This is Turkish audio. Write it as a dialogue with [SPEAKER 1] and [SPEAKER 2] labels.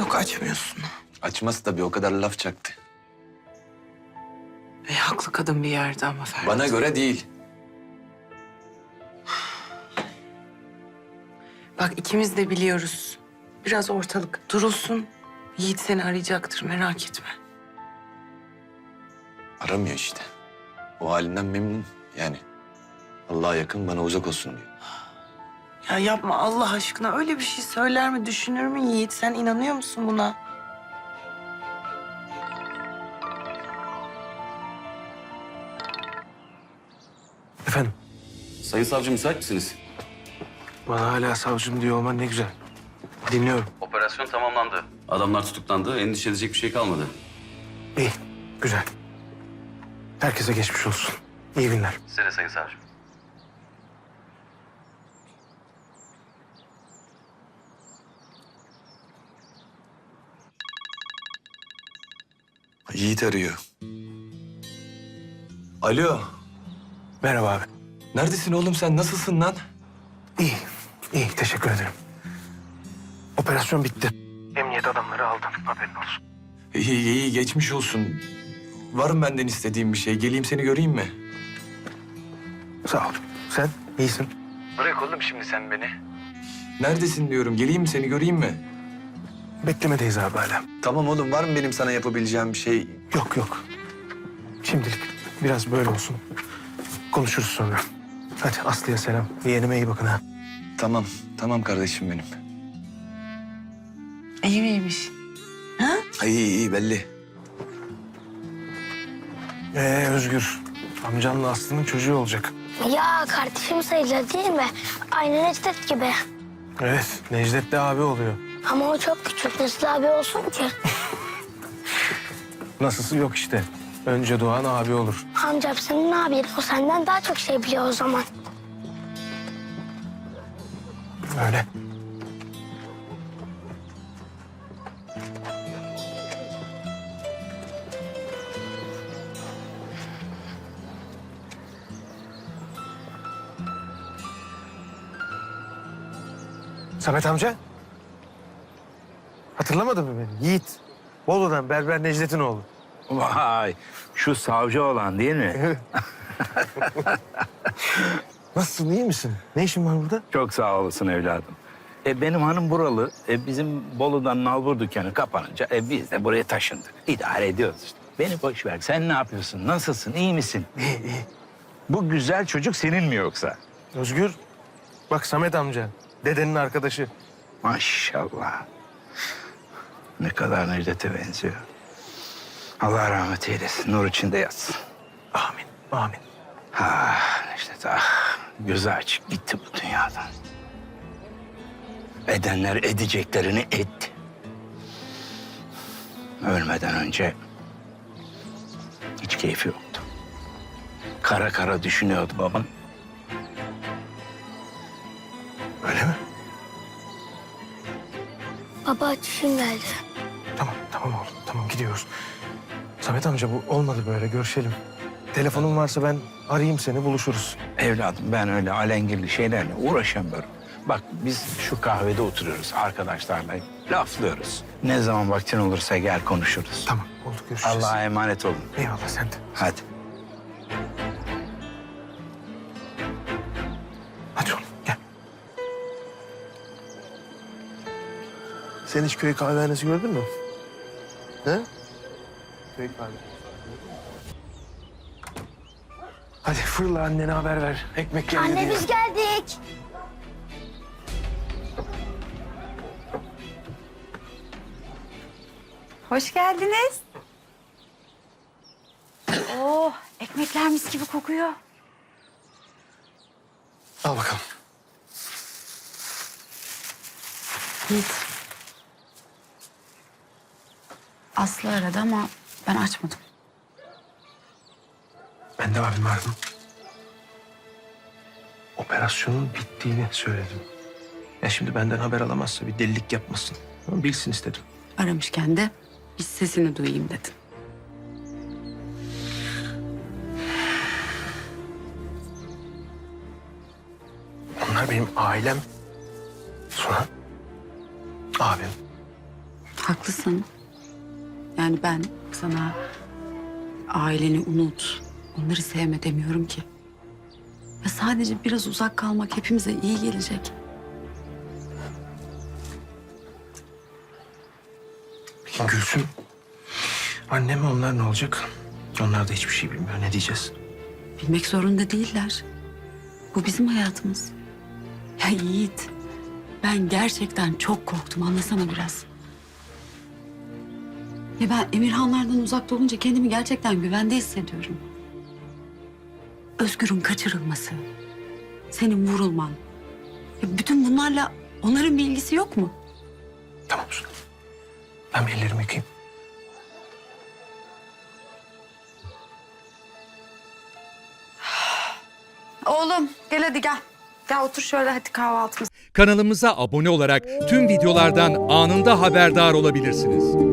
[SPEAKER 1] Yok, açmıyorsun.
[SPEAKER 2] Açmaz tabii, o kadar laf çaktı.
[SPEAKER 1] Haklı kadın bir yerde ama Ferhat.
[SPEAKER 2] Bana göre değil.
[SPEAKER 1] Bak, ikimiz de biliyoruz. Biraz ortalık durulsun. Yiğit seni arayacaktır, merak etme.
[SPEAKER 2] Aramıyor işte. O halinden memnun yani. Allah'a yakın, bana uzak olsun diyor.
[SPEAKER 1] Ya yapma Allah aşkına, öyle bir şey söyler mi, düşünür mü Yiğit? Sen inanıyor musun buna?
[SPEAKER 3] Efendim,
[SPEAKER 4] Sayın savcı müsait misiniz?
[SPEAKER 3] bana hala savcım diyor olman ne güzel. Dinliyorum.
[SPEAKER 4] Operasyon tamamlandı. Adamlar tutuklandı. Endişe edecek bir şey kalmadı.
[SPEAKER 3] İyi, güzel. Herkese geçmiş olsun. İyi günler.
[SPEAKER 4] Size de sayın savcım.
[SPEAKER 2] Yiğit arıyor. Alo.
[SPEAKER 3] Merhaba abi.
[SPEAKER 2] Neredesin oğlum sen? Nasılsın lan?
[SPEAKER 3] İyi, iyi. Teşekkür ederim. Operasyon bitti. Emniyet adamları aldım. Haberin olsun.
[SPEAKER 2] İyi iyi, geçmiş olsun. Var mı benden istediğin bir şey? Geleyim seni göreyim mi?
[SPEAKER 3] Sağ ol. Sen iyisin. Bırak oğlum şimdi sen beni.
[SPEAKER 2] Neredesin diyorum. Geleyim mi seni göreyim mi?
[SPEAKER 3] Beklemedeyiz abi hala.
[SPEAKER 2] Tamam oğlum, var mı benim sana yapabileceğim bir şey?
[SPEAKER 3] Yok yok. Şimdilik biraz böyle olsun. Konuşuruz sonra. Hadi Aslı'ya selam. Yeğenime iyi bakın ha.
[SPEAKER 2] Tamam, tamam kardeşim benim.
[SPEAKER 1] İyi miymiş?
[SPEAKER 2] İyi iyi belli.
[SPEAKER 3] Özgür. Amcanla Aslı'nın çocuğu olacak.
[SPEAKER 5] Ya kardeşim sayılır değil mi? Aynı Necdet gibi.
[SPEAKER 3] Evet, Necdet de abi oluyor.
[SPEAKER 5] Ama o çok küçük. Nasıl abi olsun ki?
[SPEAKER 3] Nasılsı yok işte. Önce doğan abi olur.
[SPEAKER 5] Amcam senin abin. O senden daha çok şey biliyor o zaman.
[SPEAKER 3] Öyle. Samet amca. Hatırlamadın mı beni? Yiğit. Bolu'dan Berber Necdet'in oğlu.
[SPEAKER 6] Vay, şu savcı olan değil mi?
[SPEAKER 3] Nasılsın, iyi misin? Ne işin var burada?
[SPEAKER 6] Çok sağ olasın evladım. Benim hanım buralı. Bizim Bolu'dan nalbur dükkanı kapanınca biz de buraya taşındık. İdare ediyoruz işte. Beni boş ver. Sen ne yapıyorsun? Nasılsın? İyi misin?
[SPEAKER 3] İyi, iyi.
[SPEAKER 6] Bu güzel çocuk senin mi yoksa?
[SPEAKER 3] Özgür. Bak Samet amca. Dedenin arkadaşı.
[SPEAKER 6] Maşallah. Ne kadar Necdet'e benziyor. Allah rahmet eylesin. Nur içinde yatsın.
[SPEAKER 3] Amin, amin.
[SPEAKER 6] Ah Necdet ah. Gözü açık gitti bu dünyadan. Edenler edeceklerini etti. Ölmeden önce hiç keyfi yoktu. Kara kara düşünüyordu baban.
[SPEAKER 3] Öyle mi?
[SPEAKER 5] Baba çişim geldi.
[SPEAKER 3] Tamam, tamam oğlum. Tamam, gidiyoruz. Samet amca bu olmadı böyle. Görüşelim. Telefonun varsa ben arayayım seni, buluşuruz.
[SPEAKER 6] Evladım ben öyle alengirli şeylerle uğraşamıyorum. Bak biz şu kahvede oturuyoruz arkadaşlarla. Laflıyoruz. Ne zaman vaktin olursa gel konuşuruz.
[SPEAKER 3] Tamam, oldu. Görüşeceğiz.
[SPEAKER 6] Allah'a emanet olun.
[SPEAKER 3] Eyvallah, sen de.
[SPEAKER 6] Hadi.
[SPEAKER 3] Hadi oğlum, gel. Sen hiç köy kahvehanesi gördün mü? He? Köy kahvehanesi. Hadi fırla, annene haber ver. Ekmek geldi
[SPEAKER 5] Anne
[SPEAKER 3] diye.
[SPEAKER 5] biz geldik.
[SPEAKER 7] Hoş geldiniz. Oh, ekmekler mis gibi kokuyor.
[SPEAKER 3] Al bakalım.
[SPEAKER 7] Yiğit. Aslı aradı ama ben açmadım.
[SPEAKER 3] Ben de abim aradım. Operasyonun bittiğini söyledim. Ya şimdi benden haber alamazsa bir delilik yapmasın. Ama bilsin istedim.
[SPEAKER 7] Aramışken de bir sesini duyayım dedim.
[SPEAKER 3] Onlar benim ailem. Sonra abim.
[SPEAKER 7] Haklısın. Yani ben sana aileni unut, onları sevme demiyorum ki. Ya sadece biraz uzak kalmak hepimize iyi gelecek.
[SPEAKER 3] Peki Gülsüm, annem onlar ne olacak? Onlar da hiçbir şey bilmiyor. Ne diyeceğiz?
[SPEAKER 7] Bilmek zorunda değiller. Bu bizim hayatımız. Ya Yiğit, ben gerçekten çok korktum. Anlasana biraz. Ya ben Emirhanlardan uzakta olunca kendimi gerçekten güvende hissediyorum. Özgür'ün kaçırılması, senin vurulman. Ya bütün bunlarla onların bir ilgisi yok mu?
[SPEAKER 3] Tamam Suna. Ben bir ellerimi yıkayayım.
[SPEAKER 7] Oğlum gel hadi gel. Gel otur şöyle hadi kahvaltımız.
[SPEAKER 8] Kanalımıza abone olarak tüm videolardan anında haberdar olabilirsiniz.